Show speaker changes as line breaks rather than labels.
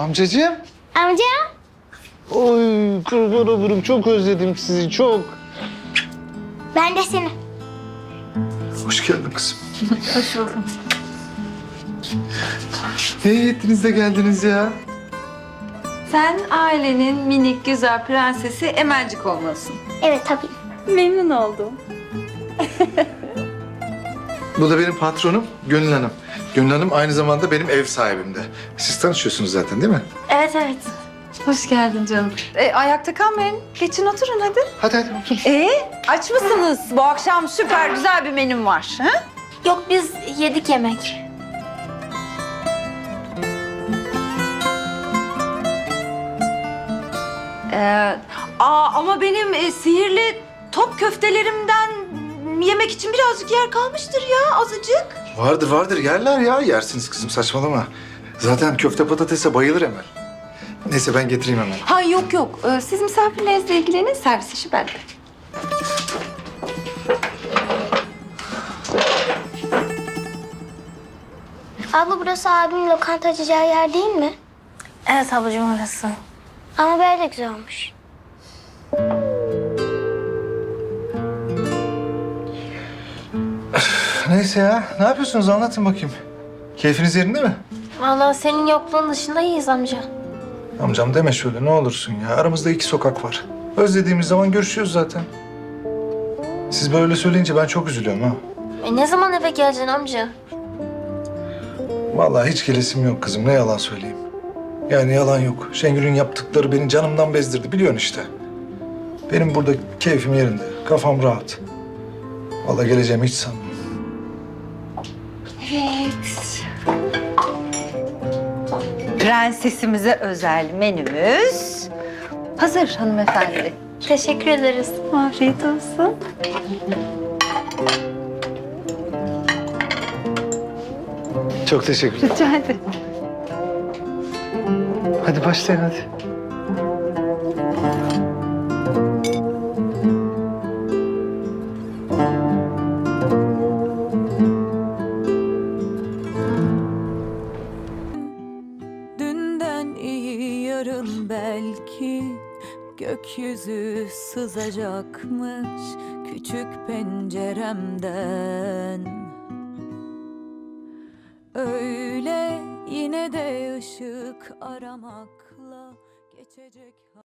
Amcacığım.
Amca.
Oy kurban olurum. Çok özledim sizi çok.
Ben de seni.
Hoş geldin kızım.
Hoş buldum.
İyi ettiniz de geldiniz ya.
Sen ailenin minik güzel prensesi Emelcik olmalısın.
Evet tabii.
Memnun oldum.
Bu da benim patronum Gönül Hanım. Gönül Hanım aynı zamanda benim ev sahibim de. Siz tanışıyorsunuz zaten değil mi?
Evet evet.
Hoş geldin canım. Ayakta kalmayın. Geçin oturun hadi.
Hadi hadi otur.
Aç mısınız? Bu akşam süper güzel bir menüm var. Ha?
Yok biz yedik yemek.
Ama benim sihirli top köftelerimden yemek için birazcık yer kalmıştır ya, azıcık.
Vardır vardır yerler ya. Yersiniz kızım saçmalama. Zaten köfte patatese bayılır Emel. Neyse ben getireyim hemen.
Ha yok yok. Siz misafirlerinizle ilgilenin, servis işi bende.
Abla burası abimin lokanta açacağı yer değil mi? Evet ablacığım orası. Ama böyle güzel olmuş.
Neyse ya. Ne yapıyorsunuz anlatın bakayım. Keyfiniz yerinde mi?
Vallahi senin yokluğun dışında iyiyiz amca.
Amcam deme şöyle ne olursun ya. Aramızda 2 sokak var. Özlediğimiz zaman görüşüyoruz zaten. Siz böyle söyleyince ben çok üzülüyorum ha.
Ne zaman eve geleceksin amca?
Vallahi hiç gelesim yok kızım. Ne yalan söyleyeyim. Yani yalan yok. Şengül'ün yaptıkları beni canımdan bezdirdi. Biliyorsun işte. Benim burada keyfim yerinde. Kafam rahat. Vallahi geleceğimi hiç sanmıyorum.
Prensesimize özel menümüz hazır hanımefendi.
Teşekkür ederiz.
Afiyet olsun.
Çok teşekkür ederim.
Rica ederim.
Hadi başlayın hadi.
Dünden iyi yarın belki gökyüzü sızacakmış küçük penceremden. Öyle yine de ışık aramakla geçecek.